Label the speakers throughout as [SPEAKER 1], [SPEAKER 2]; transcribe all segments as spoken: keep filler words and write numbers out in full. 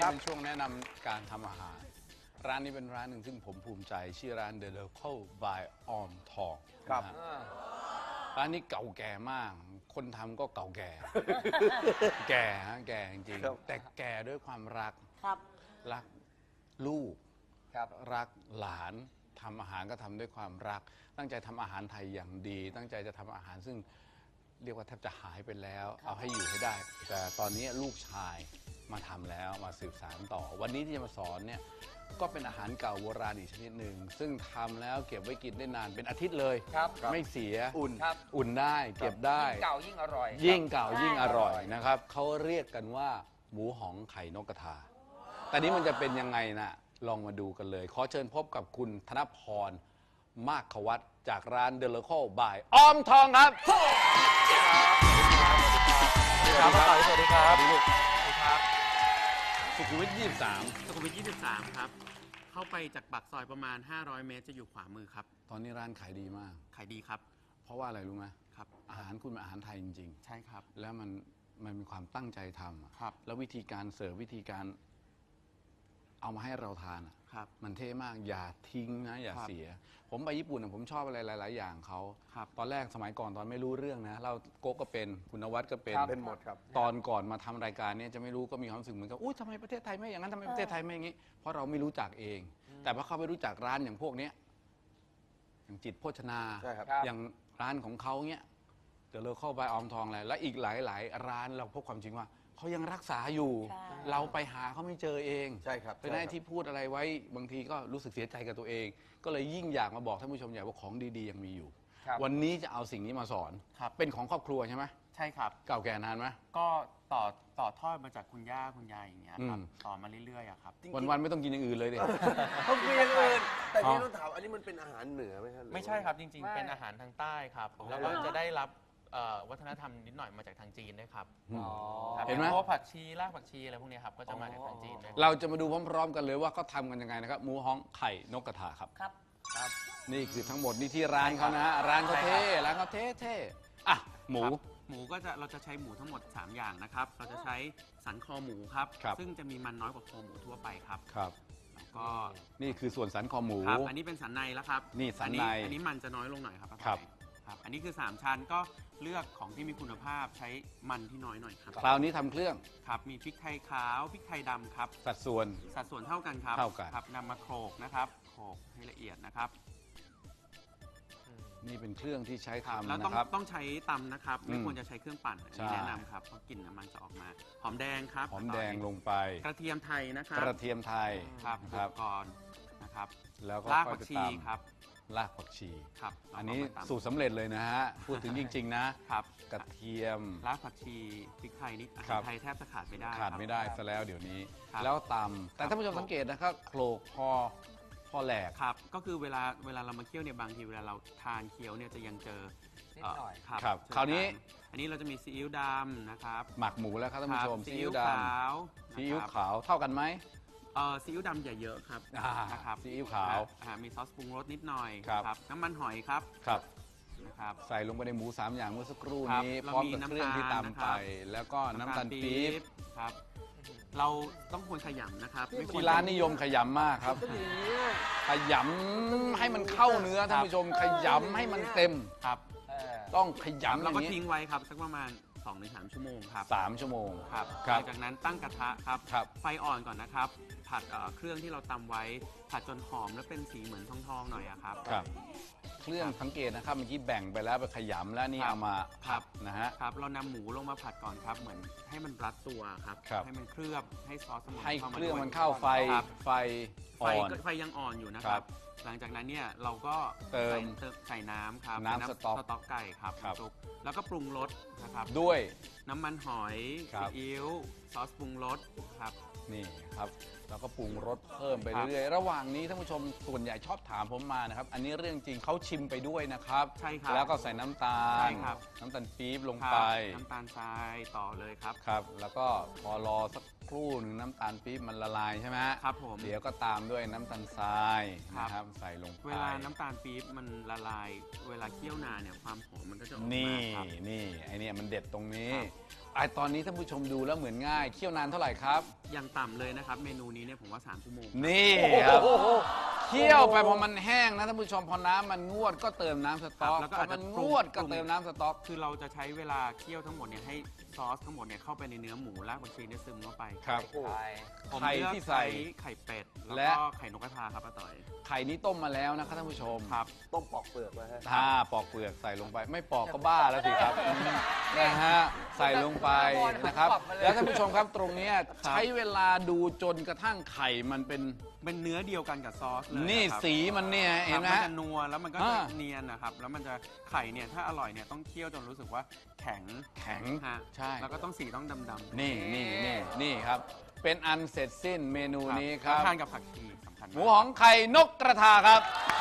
[SPEAKER 1] เป็นช่วงแนะนำการทำอาหารร้านนี้เป็นร้านหนึ่งซึ่งผมภูมิใจชื่อร้าน The Local by ออมทองครับร้านนี้เก่าแก่มากคนทำก็เก่าแก่ แก่ฮะแก่จริงๆแต่แก่ด้วยความรักรักลูกรักหลานทำอาหารก็ทำด้วยความรักตั้งใจทำอาหารไทยอย่างดีตั้งใจจะทำอาหารซึ่งเรียกว่าแทบจะหายไปแล้วเอาให้อยู่ให้ได้แต่ตอนนี้ลูกชายมาทำแล้วมาสืบสานต่อวันนี้ที่จะมาสอนเนี่ยก็เป็นอาหารเก่าโบราณอีกชนิดหนึ่งซึ่งทำแล้วเก็บไว้กินได้นานเป็นอาทิตย์เลยไม่เสียอุ่นอุ่นได้เก็บได้
[SPEAKER 2] ยิ่งเก่ายิ่งอร่อย
[SPEAKER 1] ยิ่งเก่ายิ่งอร่อยนะครับเขาเรียกกันว่าหมูหองไข่นกกระทาแต่นี้มันจะเป็นยังไงนะลองมาดูกันเลยขอเชิญพบกับคุณธนพรมากขวัตจากร้าน The Local by ออมทองครับสวัสดีครับสวัสดีครับสวัสดีครับสุขุมวิทยี่สิบสาม
[SPEAKER 3] สุขุมวิทยี่สิบสามครับเข้าไปจากปากซอยประมาณห้าร้อยเมตรจะอยู่ขวามือครับ
[SPEAKER 1] ตอนนี้ร้านขายดีมาก
[SPEAKER 3] ขายดีครับ
[SPEAKER 1] เพราะว่าอะไรรู้ไหม
[SPEAKER 3] ครับ
[SPEAKER 1] อาหารคุณเป็นอาหารไทยจริง
[SPEAKER 3] ๆใช่ครับ
[SPEAKER 1] แล้วมันมันมีความตั้งใจทำ
[SPEAKER 3] ครับ
[SPEAKER 1] แล้ววิธีการเสิร์ฟวิธีการเอามาให้เราทาน
[SPEAKER 3] ครับ
[SPEAKER 1] มันเท่มากอย่าทิ้งนะอย่าเสียผมไปญี่ปุ่นผมชอบอะไรหลายๆอย่างเขาตอนแรกสมัยก่อนตอนไม่รู้เรื่องนะเราโก๊กก็เป็นคุณนวัดก็เป็น
[SPEAKER 2] เป็นหมดครับ
[SPEAKER 1] ตอนก่อนมาทำรายการนี้จะไม่รู้ก็มีความรู้สึกเหมือนกับอุ้ยทำไมประเทศไทยไม่อย่างนั้นทำไมประเทศไทยไม่อย่างนี้เพราะเราไม่รู้จักเองแต่พอเขาไปรู้จักร้านอย่างพวกนี้อย่างจิตโภชนาอย่างร้านของเขาเนี้ยเดี๋ยวเราเข้าไปออมทองอะไรและอีกหลายๆร้านเราพบความจริงว่าเขายังรักษาอยู่เราไปหาเขาไม่เจอเอง
[SPEAKER 2] ใช่ครับ
[SPEAKER 1] เป็นไอ้ที่พูดอะไรไว้บางทีก็รู้สึกเสียใจกับตัวเองก็เลยยิ่งอยากมาบอกท่านผู้ชมใหญ่ว่าของดีๆยังมีอยู่วันนี้จะเอาสิ่งนี้มาสอนเป็นของครอบครัวใช่ไหม
[SPEAKER 3] ใช่ครับ
[SPEAKER 1] เก่าแก่นานไหม
[SPEAKER 3] ก็ต่อต่อทอดมาจากคุณย่าคุณยายอย่างเงี้ยครับต่อมาเรื่อยๆครับ
[SPEAKER 1] วันๆไม่ต้องกินอย่างอื่นเลยดิ
[SPEAKER 2] ต้องกินอย่างอื่นแต่นี่ต้องถามอันนี้มันเป็นอาหารเหนือไหมครับ
[SPEAKER 3] ไม่ใช่ครับจริงๆเป็นอาหารทางใต้ครับแล้วก็จะได้รับวัฒนธรรมนิดหน่อยมาจากทางจีนด้วยครับเห็นไหมพวกผักชีรากผักชีอะไรพวกนี้ครับก็จะมาจากทางจีนด้วย
[SPEAKER 1] เราจะมาดูพร้อมๆกันเลยว่าเขาทำกันยังไงนะครับหมูฮ้องไข่นกกระทาครับ
[SPEAKER 2] ครับ
[SPEAKER 1] ครับนี่คือทั้งหมดนี่ที่ร้านเขานะร้านเขาเท่ร้านเขาเท่เท่อ่ะหมู
[SPEAKER 3] หมูก็จะเราจะใช้หมูทั้งหมดสามอย่างนะครับเราจะใช้สันคอหมูครับซึ่งจะมีมันน้อยกว่าคอหมูทั่วไปครับ
[SPEAKER 1] ครับ
[SPEAKER 3] แล้วก็
[SPEAKER 1] นี่คือส่วนสันคอหมู
[SPEAKER 3] ครับอันนี้เป็นสันในแล้วครับ
[SPEAKER 1] นี่สันใน
[SPEAKER 3] อันนี้มันจะน้อยลงหน่อยครับ
[SPEAKER 1] ครับ
[SPEAKER 3] อันนี้คือสามชั้นก็เลือกของที่มีคุณภาพใช้มันที่น้อยหน่อยครับ
[SPEAKER 1] คราวนี้ทำเครื่อง
[SPEAKER 3] ครับมีพริกไทยขาวพริกไทยดำครับ
[SPEAKER 1] สัดส่วน
[SPEAKER 3] สัดส่วนเท่ากันครับ
[SPEAKER 1] เท่ากัน
[SPEAKER 3] ครับนำมาโขลกนะครับโขลกให้ละเอียดนะครับ
[SPEAKER 1] นี่เป็นเครื่องที่ใช้ทำ
[SPEAKER 3] แล้วต้อง
[SPEAKER 1] นะครับ
[SPEAKER 3] ต้องใช้ตำนะครับไม่ควรจะใช้เครื่องปั่นนี่แนะนำครับเพราะกลิ่นน้ำมันจะออกมาหอมแดงครับ
[SPEAKER 1] หอมแดงลงไป
[SPEAKER 3] กระเทียมไทยนะครับ
[SPEAKER 1] กระเทียมไทย
[SPEAKER 3] ครับครับก่อนนะครับ
[SPEAKER 1] แล้วก็
[SPEAKER 3] รากผักชีครับ
[SPEAKER 1] รากผักชี
[SPEAKER 3] ครับ
[SPEAKER 1] อันนี้สูตรสำเร็จเลยนะฮะพูดถึงจริงๆนะครับกระเทียม
[SPEAKER 3] รากผักชีพริกไทยนี่ไทยแทบจะขาดไม่ได้
[SPEAKER 1] ขาดไม่ได้ซะแล้วเดี๋ยวนี้แล้วตำแต่ท่านผู้ชมสังเกตนะครับโขลกพอพอแหลก
[SPEAKER 3] ครับก็คือเวลาเวลาเรามาเคี่ยวเนี่ยบางทีเวลาเราทานเคี้ยวเนี่ยจะยังเจอ
[SPEAKER 2] นิดหน่อย
[SPEAKER 1] ครับคราวนี้
[SPEAKER 3] อันนี้เราจะมีซีอิ๊วดำนะครับ
[SPEAKER 1] หมักหมูแล้วครับท่านผู้ชม
[SPEAKER 3] ซีอิ๊วขาว
[SPEAKER 1] ซีอิ๊วขาวเท่ากันไหม
[SPEAKER 3] เออซีอิ๊วดำอย่าเยอะครับนะครับ
[SPEAKER 1] ซีอิ๊วขาว
[SPEAKER 3] มีซอสปรุงรสนิดหน่อยครับน้ำมันหอยครับ
[SPEAKER 1] ครับ
[SPEAKER 3] นะครับ
[SPEAKER 1] ใส่ลงไปในหมูสามอย่างเมื่อสักครู่นี้พร้อมกับเครื่องที่ตามไปแล้วก็น้ำตาลปี๊บ
[SPEAKER 3] ครับเราต้องควรขยำนะครับ
[SPEAKER 1] ที่ร้านนิยมขยำมากครับขยำให้มันเข้าเนื้อท่านผู้ชมขยำให้มันเต็ม
[SPEAKER 3] ครับ
[SPEAKER 1] ต้องขยำ
[SPEAKER 3] แล้วก็ทิ้งไว้ครับสักประมาณสองถึงสามชั่วโมงครับ
[SPEAKER 1] สามชั่วโมง
[SPEAKER 3] ครับหลังจากนั้นตั้งกระทะครับไฟอ่อนก่อนนะครับผัดเครื่องที่เราตำไว้ผัดจนหอมแล้วเป็นสีเหมือนทองๆหน่อยครับ
[SPEAKER 1] ครับเครื่องสังเกตนะครับเมื่อกี้แบ่งไปแล้วไปขยำแล้วนี่เอามาผัดนะฮะ
[SPEAKER 3] ครับเรานำหมูลงมาผัดก่อนครับเหมือนให้มันรัดตัวครับให้มันเคลือบให้ซอส
[SPEAKER 1] ให้เครื่องมันเข้าไฟไฟ
[SPEAKER 3] อ่อนไฟยังอ่อนอยู่นะครับหลังจากนั้นเนี่ยเราก็
[SPEAKER 1] เติม
[SPEAKER 3] ใส่น้ำครับ
[SPEAKER 1] น้ำสต๊อก
[SPEAKER 3] สต๊อกไก่ครับแล้วก็ปรุงรสนะครับ
[SPEAKER 1] ด้วย
[SPEAKER 3] น้ำมันหอยซีอิ๊วซอสปรุงรสครับ
[SPEAKER 1] นี่ครับแล้วก็ปรุงรสเพิ่มไปเรื่อยๆระหว่างนี้ท่านผู้ชมส่วนใหญ่ชอบถามผมมานะครับอันนี้เรื่องจริงเขาชิมไปด้วยนะครับ
[SPEAKER 3] ใช่ครับ
[SPEAKER 1] แล้วก็ใส่น้ำตาลน้ำตาลปี๊บลงไป
[SPEAKER 3] น้ำตาลทรายต่อเลยครับ
[SPEAKER 1] ครับแล้วก็พอรอสักครู่หนึ่งน้ำตาลปี๊บมันละลายใช่ไหม
[SPEAKER 3] ครับผม
[SPEAKER 1] เดี๋ยวก็ตามด้วยน้ำตาลทรายนะครับใส่ลงไป
[SPEAKER 3] เวลาน้ำตาลปี๊บมันละลายเวลาเคี่ยวนานเนี่ยความหอมมันก็จะออกมา
[SPEAKER 1] นี่นี่ไอเนี่ยมันเด็ดตรงนี้ไอตอนนี้ท่านผู้ชมดูแล้วเหมือนง่ายเคี่ยวนานเท่าไหร่ครับ
[SPEAKER 3] อย่างต่ำเลยนะครับ เมนูนี้เนี่ยผมว่า สาม ชั่วโมง
[SPEAKER 1] นี่ครับเคี่ยวไปพอมันแห้งนะท่านผู้ชมพอน้ำมันงวดก็เติมน้ำสต๊อก
[SPEAKER 3] แล้วก็
[SPEAKER 1] พอ
[SPEAKER 3] อาจจะ
[SPEAKER 1] มันงวดก็เติมน้ำสต๊อก
[SPEAKER 3] คือเราจะใช้เวลาเคี่ยวทั้งหมดเนี่ยให้ซอสทั้งหมดเนี่ยเข้าไปในเนื้อหมูรากผักชีเนี่ยซึมเข้าไป
[SPEAKER 1] ครับ
[SPEAKER 3] ผม
[SPEAKER 1] ไข่
[SPEAKER 3] เลือก
[SPEAKER 1] ที่ใส่
[SPEAKER 3] ไข่เป็ด
[SPEAKER 1] และ
[SPEAKER 3] แล้วก็ไข่นกกระทาครับป้าต่อย
[SPEAKER 1] ไข่นี้ต้มมาแล้วนะครับท่านผู้ชม
[SPEAKER 3] ครับ
[SPEAKER 2] ต้มปอกเปลือกไว้ฮะ
[SPEAKER 1] ถ้าปอกเปลือกใส่ลงไป ไม่ปอกก็บ้าแล้วสิครับนะฮะใส่ลงไปนะครับ แล้วท่านผู้ชมครับตรงเนี้ยใช้เวลาดูจนกระทั่งไข่มันเป็น
[SPEAKER 3] เป็นเนื้อเดียวกันกับซอสเลย
[SPEAKER 1] นี่
[SPEAKER 3] ะครับ
[SPEAKER 1] สีมันเนี่ย
[SPEAKER 3] ค
[SPEAKER 1] เห็
[SPEAKER 3] รั
[SPEAKER 1] น
[SPEAKER 3] บ
[SPEAKER 1] ไหม
[SPEAKER 3] มัน
[SPEAKER 1] ฮะ
[SPEAKER 3] จะนัวแล้วมันก็
[SPEAKER 1] อ่า
[SPEAKER 3] จะเนียนนะครับแล้วมันจะไข่เนี่ยถ้าอร่อยเนี่ยต้องเคี่ยวจนรู้สึกว่าแข็ง
[SPEAKER 1] แข็ง
[SPEAKER 3] ฮะ
[SPEAKER 1] ใช่
[SPEAKER 3] แล้วก็ต้องสีต้องดำๆ
[SPEAKER 1] นี่นี่นี่นี่ครับ เป็นอันเสร็จสิ้นเมนูนี้ค
[SPEAKER 3] แล้
[SPEAKER 1] รั
[SPEAKER 3] ว
[SPEAKER 1] บ
[SPEAKER 3] ทานกับผักชีสำคัญ
[SPEAKER 1] ห
[SPEAKER 3] มาก
[SPEAKER 1] มูหองไข่นกกระทาครับ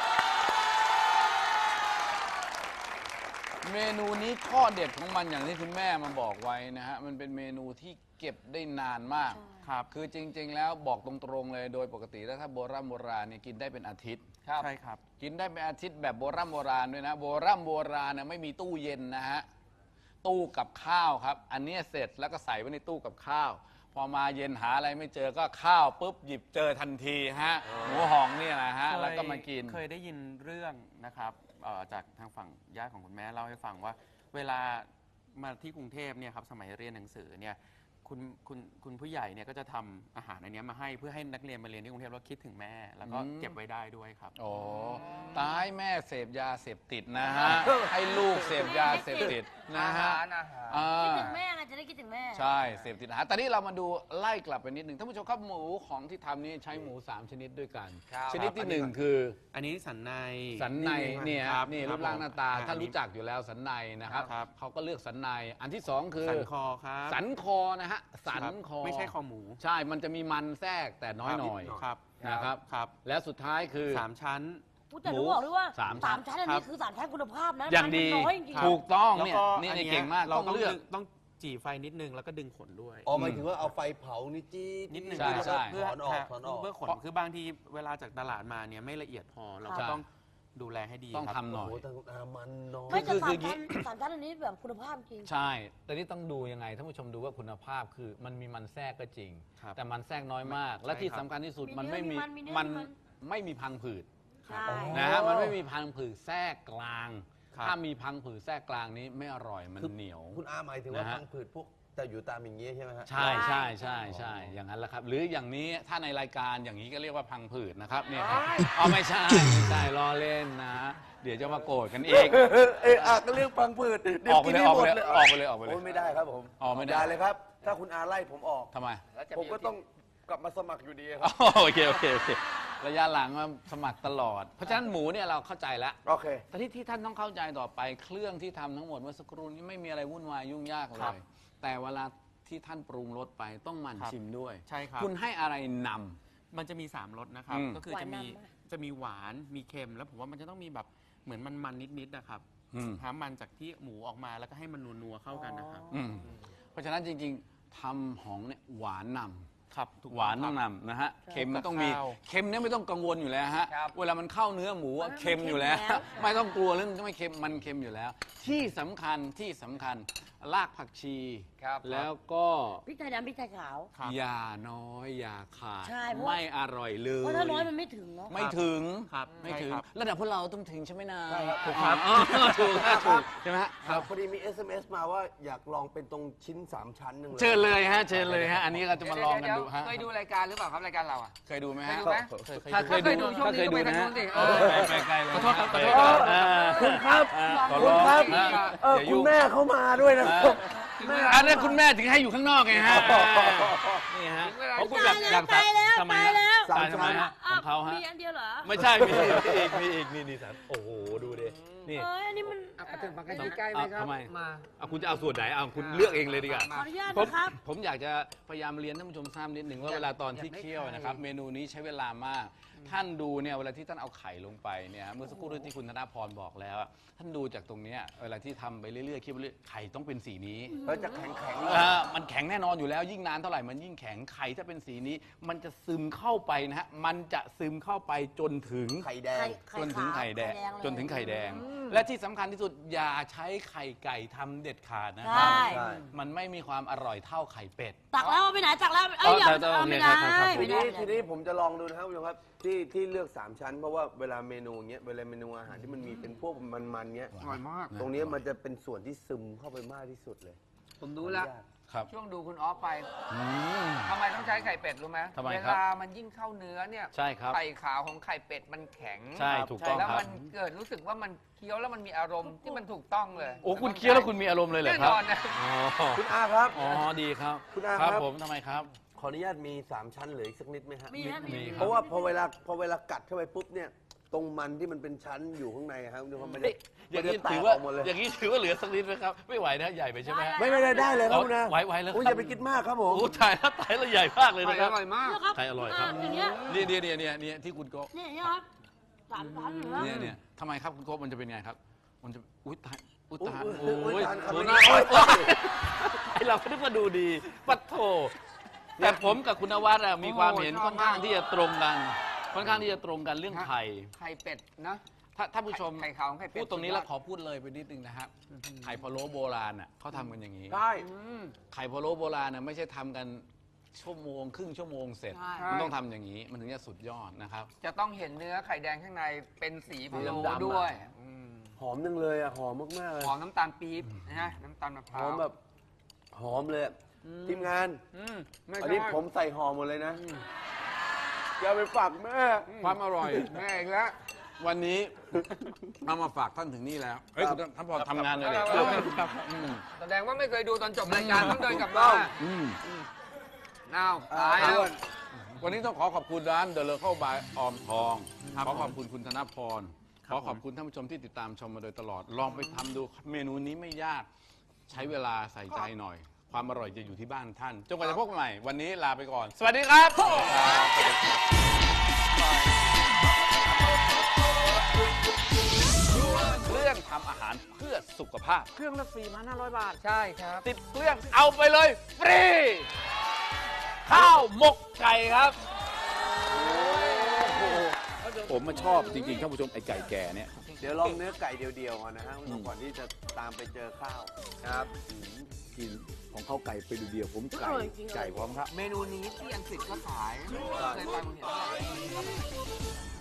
[SPEAKER 1] เมนูนี้ข้อเด็ดของมันอย่างที่คุณแม่มาบอกไว้นะฮะมันเป็นเมนูที่เก็บได้นานมาก
[SPEAKER 3] ครับ
[SPEAKER 1] คือจริง ๆ แล้วบอกตรงๆเลยโดยปกติแล้วถ้าโบราณโบราณเนี่ยกินได้เป็นอาทิตย์
[SPEAKER 3] ใช่ครับ
[SPEAKER 1] กินได้เป็นอาทิตย์แบบโบราณโบราณด้วยนะโบราณโบราณนะไม่มีตู้เย็นนะฮะตู้กับข้าวครับ อันนี้เสร็จแล้วก็ใส่ไว้ในตู้กับข้าว พอมาเย็นหาอะไรไม่เจอก็ข้าวปุ๊บหยิบเจอทันทีฮะหมูหองเนี่ยนะฮะแล้วก็มากิน
[SPEAKER 3] เคยได้ยินเรื่องนะครับเอ่อจากทางฝั่งญาติของคุณแม่เล่าให้ฟังว่า เวลามาที่กรุงเทพเนี่ยครับสมัยเรียนหนังสือเนี่ยคุณคุณคุณผู้ใหญ่เนี่ยก็จะทำอาหารอันเนี้ยมาให้เพื่อให้นักเรียนมาเรียนที่กรุงเทพแล้วคิดถึงแม่ แล้วก็
[SPEAKER 1] อืม
[SPEAKER 3] เก็บไว้ได้ด้วยครับ
[SPEAKER 1] โอ้ตายแม่เสพยาเสพติดนะฮะ ให้ลูกเสพยาเสพติดนะฮะอ่า
[SPEAKER 4] คิดถึงแม่ไงจะได้คิดถึงแม่
[SPEAKER 1] ใช่เสพติดอาหารแต่นี่เรามาดูไล่กลับไปนิดหนึ่งท่านผู้ชมครับหมูของที่ทำนี่ใช้หมูสามชนิดด้วยกัน ชนิดที่หนึ่งคือ
[SPEAKER 3] อันนี้สันใน
[SPEAKER 1] สันในเนี่ย
[SPEAKER 3] ครับ
[SPEAKER 1] นี่
[SPEAKER 3] ค
[SPEAKER 1] รู
[SPEAKER 3] บ
[SPEAKER 1] ปร่างหน้าตา
[SPEAKER 3] ผม
[SPEAKER 1] ท่าน
[SPEAKER 3] อั
[SPEAKER 1] รู้จักอยู่แล้วสันในนะครับ
[SPEAKER 3] ครับ
[SPEAKER 1] เขาก็เลือกสันในอันที่สองคือ
[SPEAKER 3] สันคอครับ
[SPEAKER 1] สันคอนะฮะสันคอ
[SPEAKER 3] ไม่ใช่คอหมู
[SPEAKER 1] ใช่มันจะมีมันแทรกแต่น้อยหน่อย
[SPEAKER 3] ครับ
[SPEAKER 1] นะครับ
[SPEAKER 3] ครับ
[SPEAKER 1] และสุดท้ายคือ
[SPEAKER 3] สามชั้น
[SPEAKER 4] พูดแต่รู้บอกด้วยว่า
[SPEAKER 1] สามชั้น
[SPEAKER 4] ชั้นอัน
[SPEAKER 3] ครั
[SPEAKER 4] นี้
[SPEAKER 3] บ
[SPEAKER 4] คือสามชั้นคุณภาพนะ
[SPEAKER 1] อย่างดี
[SPEAKER 4] มันน้อยจริงๆ
[SPEAKER 1] ถูกต้อง
[SPEAKER 3] แล้ว
[SPEAKER 1] เนี่ย
[SPEAKER 3] ก็
[SPEAKER 1] นี่
[SPEAKER 3] อัน
[SPEAKER 1] นี่
[SPEAKER 3] เนี้ย
[SPEAKER 1] เก่งมาก
[SPEAKER 3] เรา
[SPEAKER 1] ต้อง
[SPEAKER 3] ต้อง
[SPEAKER 1] เลือก
[SPEAKER 3] ดึงต้องจี่ไฟนิดนึงแล้วก็ดึงขนด้วย
[SPEAKER 2] อ๋อหมายถึงว่าเอาไฟเผานี่จี้
[SPEAKER 3] นิดนึง
[SPEAKER 1] ใช่ใช่
[SPEAKER 3] เพื่อ
[SPEAKER 2] ถอนออกถอนออก
[SPEAKER 3] เพื่อขนคือบางทีเวลาจากตลาดมาเนี่ยไม่ละเอียดพอเราก็
[SPEAKER 1] ใช่
[SPEAKER 3] ต้องดูแลให้ดี
[SPEAKER 1] ต้อง
[SPEAKER 3] ครับ
[SPEAKER 1] ทำหน่
[SPEAKER 2] โอ้
[SPEAKER 1] อย
[SPEAKER 2] โหแต่อามันน้อย
[SPEAKER 4] ไม่แต่
[SPEAKER 1] คือ
[SPEAKER 4] สาม
[SPEAKER 1] คือ
[SPEAKER 4] ชั้นสามชั้นอันนี้แบบคุณภาพจริง
[SPEAKER 1] ใช่ แต่นี่ต้องดูยังไงท่านผู้ชมดูว่าคุณภาพคือมันมีมันแทรกก็จริง
[SPEAKER 3] ครับ
[SPEAKER 1] แต่มันแทรกน้อยมาก และที่สำคัญที่สุด
[SPEAKER 4] มี
[SPEAKER 1] มัน
[SPEAKER 4] เนื้อ
[SPEAKER 1] ไม่มี
[SPEAKER 4] มีมันมีเนื้อ
[SPEAKER 1] มัน
[SPEAKER 4] มีมัน
[SPEAKER 1] ไม่มีพังผืด
[SPEAKER 4] ใช่
[SPEAKER 1] นะฮะมันไม่มีพังผืดแทรกกลาง
[SPEAKER 3] ครับ
[SPEAKER 1] ถ้ามีพังผืดแทรกกลางนี้ไม่อร่อยมัน
[SPEAKER 2] คือ
[SPEAKER 1] เหนียว
[SPEAKER 2] คุณอาหมายถึงว่า
[SPEAKER 1] นะฮะ
[SPEAKER 2] พังผืดพวกแต่อยู่ตามอย่างเงี้ยใช่ไหมฮะ
[SPEAKER 1] ใช่ใช่ใช่ใช่อย่างนั้นแหละครับ หรืออย่างนี้ถ้าในรายการอย่างนี้ก็เรียกว่าพังผืดนะครับเนี่ยครับอ๋อไม่ใช่ไม่ใช่ล้อเล่นนะ เดี๋ยวจะมาโกรธกันเอง
[SPEAKER 2] เออเอออ่ะก็เรื่องพังผืดเดี๋ย
[SPEAKER 1] อ
[SPEAKER 2] ว
[SPEAKER 1] อกไป
[SPEAKER 2] กิน
[SPEAKER 1] เลย
[SPEAKER 2] ให้
[SPEAKER 1] ออก
[SPEAKER 2] หม
[SPEAKER 1] ไป
[SPEAKER 2] ด
[SPEAKER 1] เลย
[SPEAKER 2] เลย
[SPEAKER 1] ออกไปเลยออกไปเลย
[SPEAKER 2] โอ้ยไม่ได้ครับผม
[SPEAKER 1] อ๋อไม่ได้
[SPEAKER 2] อย่าเลยครับ ถ้าคุณอาไล่ผมออก
[SPEAKER 1] ทำไม
[SPEAKER 2] ผมก็ต้องกลับมาสมัครอยู่ดีค
[SPEAKER 1] อ๋
[SPEAKER 2] รั
[SPEAKER 1] อบ โอเคโอเคโอเคระยะหลังมาสมัครตลอด เพราะฉะนั้นหมูเนี่ยเราเข้าใจแล้ว
[SPEAKER 2] โอเค
[SPEAKER 1] แต่ที่ที่ท่านต้องเข้าใจต่อไปเครื่องที่ทำทั้งหมดเมื่อสักครู่นี้ไม่มีอะไรวุ่นวายยุ่งยากเล
[SPEAKER 3] ครับ
[SPEAKER 1] ย แต่เวลาที่ท่านปรุงรสไปต้องหมั่น
[SPEAKER 3] ครับ
[SPEAKER 1] ชิมด้วย
[SPEAKER 3] ใช่ครับ
[SPEAKER 1] คุณให้อะไรนำ
[SPEAKER 3] มันจะมีสามรสนะครับ
[SPEAKER 1] อืม
[SPEAKER 3] ก็คือจะมี
[SPEAKER 4] หวานนำปะ
[SPEAKER 3] จะมีหวานมีเค็มแล้วผมว่ามันจะต้องมีแบบเหมือนมันมันนิดๆนะครับ
[SPEAKER 1] อืม
[SPEAKER 3] หามันจากที่หมูออกมาแล้วก็ให้มันนัวๆเข้ากันนะครับ
[SPEAKER 1] อืมเพราะฉะนั้นจริงๆทำหองเนี่ยหวานนำ
[SPEAKER 3] ครับถูก
[SPEAKER 1] หวานต้อง
[SPEAKER 3] ครับ
[SPEAKER 1] นำนะฮะเค็มมันต้องมี
[SPEAKER 3] ข้าว
[SPEAKER 1] เค็มเนี่ยไม่ต้องกังวลอยู่แล้วฮะ
[SPEAKER 3] ครับ
[SPEAKER 1] เวลามันเข้าเนื้อหมูอะ
[SPEAKER 4] มัน
[SPEAKER 1] เค็มอยู่แล้ว
[SPEAKER 4] เค็มอยู่แล้ว
[SPEAKER 1] ไม่ต้องกลัวเรื่องไม่เค็มมันเค็มอยู่แล้ว ที่สำคัญที่สำคัญรากผักชี
[SPEAKER 3] ครับ
[SPEAKER 1] แล้วก็
[SPEAKER 4] พริกไทยดำพริกไทยขาว
[SPEAKER 3] ครับ
[SPEAKER 1] อย่าน้อยอย่าขาด
[SPEAKER 4] ใช่เพราะ
[SPEAKER 1] ไม่อร่อยเลย
[SPEAKER 4] เพราะถ้าน้อยมันไม่ถึงเนาะ
[SPEAKER 1] ไม่ถึง
[SPEAKER 3] ครับ
[SPEAKER 1] ไม่ถึง
[SPEAKER 3] ใช่ครับ
[SPEAKER 1] ระดับพวกเราต้องถึงใช่ไหมนะ
[SPEAKER 2] ใช่ครับ
[SPEAKER 1] ถูกครับอ๋อถูกครับถูกใช่ไหมฮะ
[SPEAKER 2] ครับพอดีมี เอส เอ็ม เอส มาว่าอยากลองเป็นตรงชิ้นสามชั้นหนึงเลย
[SPEAKER 1] เชิญเลยฮะเชิญเลยฮะอันนี้เราจะมาลองกันดูฮะ
[SPEAKER 5] เคยดูรายการหรือเปล่าครับรายการเราอ่ะ
[SPEAKER 1] เคยดูไหม
[SPEAKER 5] เคย
[SPEAKER 1] ฮะ
[SPEAKER 5] ดูไหม
[SPEAKER 1] ถ้าเคยดู
[SPEAKER 5] ช่วง
[SPEAKER 1] ถ้า
[SPEAKER 5] นี้
[SPEAKER 1] เคย
[SPEAKER 5] ก็
[SPEAKER 1] ดู
[SPEAKER 5] ไปทา
[SPEAKER 1] นะ
[SPEAKER 5] ง
[SPEAKER 1] ฮะ
[SPEAKER 5] นู้นสิ
[SPEAKER 1] เออไปไกลเลย
[SPEAKER 3] ขอโทษครับขอโทษ
[SPEAKER 1] เอ
[SPEAKER 3] ครับ
[SPEAKER 1] อ
[SPEAKER 2] คุณครับ
[SPEAKER 1] อ่าขอ
[SPEAKER 2] คุ
[SPEAKER 1] ร้
[SPEAKER 2] ณ
[SPEAKER 1] อง
[SPEAKER 2] ครับ
[SPEAKER 1] นะ
[SPEAKER 2] เออ
[SPEAKER 1] อย่า
[SPEAKER 2] คุ
[SPEAKER 1] ยุ่
[SPEAKER 2] ณ
[SPEAKER 1] ง
[SPEAKER 2] แม่เข้ามาด้วยนะครับ
[SPEAKER 1] อันนั้นคุณแม่ถึงให้อยู่ข้างนอกไงฮะนี่ฮะ
[SPEAKER 5] ถึงเวลา
[SPEAKER 1] เพราะคุณอยากอยาก
[SPEAKER 4] ตายแล้ว
[SPEAKER 1] ทำไม
[SPEAKER 4] ตาย
[SPEAKER 1] ฮะ
[SPEAKER 4] แล้ว
[SPEAKER 1] ตายทำไมฮะของเขาฮะ
[SPEAKER 4] มีอันเดียวเหรอ
[SPEAKER 1] ไม่ใช่มีอีกมีอีกนี่นี่สันโอ้โหดูดินี่
[SPEAKER 4] เอ้ยอันนี้มัน
[SPEAKER 5] อ่ะถึงฝั่งใกล้ๆไหมครับ
[SPEAKER 1] ทำไม
[SPEAKER 5] มา
[SPEAKER 1] เอาคุณจะเอาส่วนไหนเอาคุณเลือกเองเลยดีกว่า
[SPEAKER 4] ขออนุญาต
[SPEAKER 1] ผม
[SPEAKER 4] นะครับ
[SPEAKER 1] ผมอยากจะพยายามเรียนท่านผู้ชมทราบนิดหนึ่งว่า
[SPEAKER 5] อยาก
[SPEAKER 1] เวลาตอนที่
[SPEAKER 5] อยากได้
[SPEAKER 1] เคี่ยวนะครับ
[SPEAKER 5] ไข่
[SPEAKER 1] เมนูนี้ใช้เวลามาก ท่านดูเนี่ยเวลาที่ท่านเอาไข่ลงไปเนี่ยเมื่อสักครู่ที่คุณธนาพรบอกแล้วอะท่านดูจากตรงเนี้ยเวลาที่ทำไปเรื่อยๆเคี่ยวไปเรื่อยไข่ต้องเป็นสีนี้
[SPEAKER 2] แล้วจะแข็งแข็งๆเลย
[SPEAKER 1] อ่ามันแข็งแน่นอนอยู่แล้วยิ่งนานเท่าไหร่มันยิ่งแข็งไข่ถ้าเป็นสีนี้ มันจะซึมเข้าไปนะฮะมันจะซึมเข้าไปจนถึง
[SPEAKER 2] ไข่แดง
[SPEAKER 4] ไข่
[SPEAKER 1] จนถึงไข่แดง
[SPEAKER 4] เลย
[SPEAKER 1] จนถึงไข่แดง
[SPEAKER 4] อืม
[SPEAKER 1] และที่สำคัญที่สุดอย่าใช้ไข่ไก่ทำเด็ดขาดนะค
[SPEAKER 4] ใช่
[SPEAKER 1] รับ มันไม่มีความอร่อยเท่าไข่เป็ด
[SPEAKER 4] ตักแล้วเอาไปไหนตักแล้วเอ้ยอย่า
[SPEAKER 1] เอาแต่
[SPEAKER 4] เอา
[SPEAKER 1] โอเค
[SPEAKER 4] ไม่ได้
[SPEAKER 1] ครับครับ
[SPEAKER 2] ที
[SPEAKER 4] ไม่ได้
[SPEAKER 2] นี้
[SPEAKER 4] ไม่
[SPEAKER 2] ที
[SPEAKER 4] ได้
[SPEAKER 2] นี้ผมจะลองดูนะครับคุณผู้ชมครับที่ที่เลือกสามชั้นเพราะว่าเวลาเมนูเงี้ยเวลาเมนูอาหารที่มันมีเป็นพวกมันๆเงี้ย
[SPEAKER 5] อร่อยมาก
[SPEAKER 2] ตรงนี้มันจะเป็นส่วนที่ซึมเข้าไปมากที่สุดเลย
[SPEAKER 5] ผมรู้แล้ว
[SPEAKER 1] ครับ
[SPEAKER 5] ช่วงดูคุณออฟไป
[SPEAKER 1] อืม
[SPEAKER 5] ทำไมต้องใช้ไข่เป็ดรู้ไหม
[SPEAKER 1] ทำไม
[SPEAKER 5] เว
[SPEAKER 1] ครับ
[SPEAKER 5] ลามันยิ่งเข้าเนื้อเนี่ย
[SPEAKER 1] ใช่ครับ
[SPEAKER 5] ไข่ขาวของไข่เป็ดมันแข็ง
[SPEAKER 1] ใช่ถูกต้อง
[SPEAKER 5] แล้ว
[SPEAKER 1] ครับ
[SPEAKER 5] มันเกิดรู้สึกว่ามันเคี้ยวแล้วมันมีอารมณ์ที่มันถูกต้องเลย
[SPEAKER 1] โอ้คุณเคี้ยวแล้วคุณมีอารมณ์เลยเหรอ
[SPEAKER 5] แน่
[SPEAKER 1] คน รับ
[SPEAKER 5] อนนะ
[SPEAKER 1] อ๋อ
[SPEAKER 2] คุณอาครับ
[SPEAKER 1] อ๋อดีครับ
[SPEAKER 2] คุณอา
[SPEAKER 1] ค
[SPEAKER 2] ครั
[SPEAKER 1] รับ บผมทำไมครับ
[SPEAKER 2] ขออนุญาตมีสามชั้นเหลืออีกสักนิดไหมฮะ
[SPEAKER 4] มีฮะมี
[SPEAKER 1] มีค
[SPEAKER 2] เพ
[SPEAKER 1] รับ
[SPEAKER 2] ราะว่าพอเวลาพอเวลากัดเข้าไปปุ๊บเนี่ยตรงมันที่มันเป็นชั้นอยู่ข้างในครับคุณผู้ชมมันจะ
[SPEAKER 1] อย่าง
[SPEAKER 2] มัน
[SPEAKER 1] นี้
[SPEAKER 2] จะแต
[SPEAKER 1] ถื
[SPEAKER 2] ก
[SPEAKER 1] อ
[SPEAKER 2] อ
[SPEAKER 1] ว่า
[SPEAKER 2] อกหมดเลย
[SPEAKER 1] อย่างนี้ถือว่าเหลือสักนิดไหมครับ ไม่ไหวนะใหญ่ไปใช่ไหมฮะ
[SPEAKER 2] ไม่ไม่ได้ได้เลยครับคุณอา
[SPEAKER 1] ไหวไหวแล้ว
[SPEAKER 2] โอ้ย
[SPEAKER 1] ค
[SPEAKER 2] อ
[SPEAKER 1] รับ
[SPEAKER 2] ย่าไปคิดมากครับผม
[SPEAKER 1] โอ้ตายแล้วตายแล้วใหญ่มากเลย
[SPEAKER 5] ไข่
[SPEAKER 1] นะค
[SPEAKER 5] อ
[SPEAKER 1] รับ
[SPEAKER 5] ร่อยมาก
[SPEAKER 4] เนี่ยครับ
[SPEAKER 1] ไข่อร่อยครับ
[SPEAKER 4] อย่างเงี้ย
[SPEAKER 1] เนี่ยเนี่ยเนี่ยเนี่ยเนี่ยที่คุณโก
[SPEAKER 4] เนี่ยเนี่ยครับสามชั้นเหรอ
[SPEAKER 1] เนี่ยเนี่ยทำไมครับคุณโกมันจะเป็นไงครับ มันจะอุ้ยตายอุ้ยตาย
[SPEAKER 2] อุ๊ยอุ๊ย
[SPEAKER 1] โอ้ย
[SPEAKER 2] ตายครับ
[SPEAKER 1] โอ้ย
[SPEAKER 2] ไม่
[SPEAKER 1] น่า
[SPEAKER 2] ได้
[SPEAKER 1] โอ้ยไอเราก็นึกว่าดูดีปัดโถแต่ผมกับคุณนวัดอะมีความเห็น
[SPEAKER 5] โอ้ชอบ
[SPEAKER 1] ค่อนข้าง
[SPEAKER 5] มาก
[SPEAKER 1] ที่จะตรงกัน ค่อนข้างที่จะตรงกันเรื่องไข่
[SPEAKER 5] ไข่เป็ดนะ
[SPEAKER 1] ถ้าถ้าผู้ชม
[SPEAKER 5] ไข่ขาวของไข่เป็ด
[SPEAKER 1] พูดตรงนี้
[SPEAKER 5] สุดยอด
[SPEAKER 1] แล้วขอพูดเลยไปนิดนึงนะครับไข่พะโล้โบราณอ่ะเขาทำกันอย่างนี้
[SPEAKER 2] ใช่
[SPEAKER 5] อืม
[SPEAKER 1] ไข่พะโล้โบราณน่ะไม่ใช่ทำกันชั่วโมงครึ่งชั่วโมงเสร็จ
[SPEAKER 4] ใช่
[SPEAKER 1] มันต้องทำอย่างนี้มันถึงจะสุดยอดนะครับ
[SPEAKER 5] จะต้องเห็นเนื้อไข่แดงข้างในเป็นสีพะโล้
[SPEAKER 2] สีดำๆอะ
[SPEAKER 5] ด้วยอืม
[SPEAKER 2] หอมจังเลยอ่ะหอมมากๆเลย
[SPEAKER 5] หอมน้ำตาลปี๊บนะฮะน้ำตาลมะพ
[SPEAKER 2] ห
[SPEAKER 5] ร้า
[SPEAKER 2] อ
[SPEAKER 5] ว
[SPEAKER 2] มแบบหอมเลยอะทีมงาน
[SPEAKER 5] อืมไม่
[SPEAKER 2] อัน
[SPEAKER 5] ใช่
[SPEAKER 2] นี้ผมใส่หอมหมดเลยนะอย่าไปฝากแม่
[SPEAKER 1] ความอร่อย
[SPEAKER 5] แม่อีกแล้ว
[SPEAKER 1] วันนี้เอามาฝากท่านถึงนี่แล้วเฮ้ย
[SPEAKER 2] ครับ
[SPEAKER 1] คุณท่านพอทำงานเลย
[SPEAKER 5] ครับ
[SPEAKER 1] ครับครับอืม
[SPEAKER 5] แสดงว่าไม่เคยดูตอนจบรายการต้องเดินกลับมา
[SPEAKER 1] อืม
[SPEAKER 5] อ้าว
[SPEAKER 2] อ่า
[SPEAKER 5] ตายแล้ว
[SPEAKER 1] วันนี้ต้องขอขอบคุณร้าน The Local by ออมทอง ขอขอบคุณคุณธนพร ขอขอบคุณท่านผู้ชมที่ติดตามชมมาโดยตลอด ลองไปทำดูเมนูนี้ไม่ยาก ใช้เวลาใส่ใจหน่อย ความอร่อยจะอยู่ที่บ้านท่าน จนกว่าจะพบกันใหม่ วันนี้ลาไปก่อน สวัสดีครับ เครื่องทำอาหารเพื่อสุขภาพ เครื่องละสี่พันห้าร้อยบาท
[SPEAKER 5] ใช่ครับ
[SPEAKER 1] ติดเครื่องเอาไปเลยฟรี ข้าวหมกไก่ครับ ผมมาชอบจริงๆท่านผู้ชมไอ้ไก่แก่เนี่ย
[SPEAKER 2] เดี๋ยวลองเนื้อไก่เดียวๆก่อนนะฮะคุณผู้ชมก่อนที่จะตามไปเจอข้าวครับ
[SPEAKER 1] กินของเขาไก่ไปดูเดียวผม
[SPEAKER 4] อ
[SPEAKER 1] ไก่
[SPEAKER 4] ร่อยจริงเลย
[SPEAKER 1] ไก่พร้อมครับ
[SPEAKER 5] เมนูนี้ที่อังกฤษก็ขายเคยไปคุณเห็นไหม